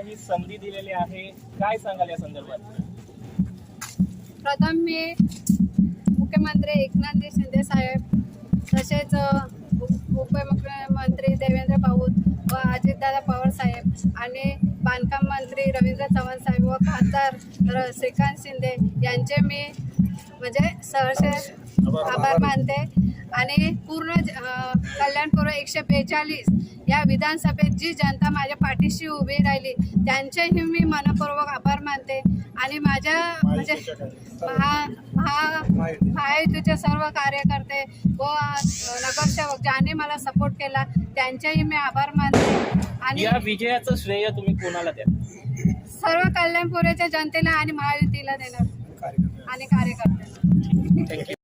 ही संधी दिलेली आहे, काय सांगाल या संदर्भात? प्रथम मी मुख्यमंत्री एकनाथ शिंदे साहेब तसेच उपमुख्यमंत्री देवेंद्र भाऊत व अजितदादा पवार साहेब आणि बांधकाम मंत्री रवींद्र चव्हाण साहेब व खासदार श्रीकांत शिंदे यांचे मी म्हणजे सहर्ष आभार मानते आणि पूर्ण कल्याणपूर्व 142 या विधानसभेत जी जनता माझ्या पाठीशी उभी राहिली त्यांचेही मी मनपूर्वक आभार मानते आणि माझ्या म्हणजे महायुतीचे सर्व कार्यकर्ते व नगरसेवक ज्यांनी मला सपोर्ट केला त्यांचेही मी आभार मानते आणि या विजयाचं श्रेय तुम्ही कोणाला द्या? सर्व कल्याणपूरच्या जनतेला आणि महायुतीला देणार आणि कार्यकर्त्यांना. थँक्यू.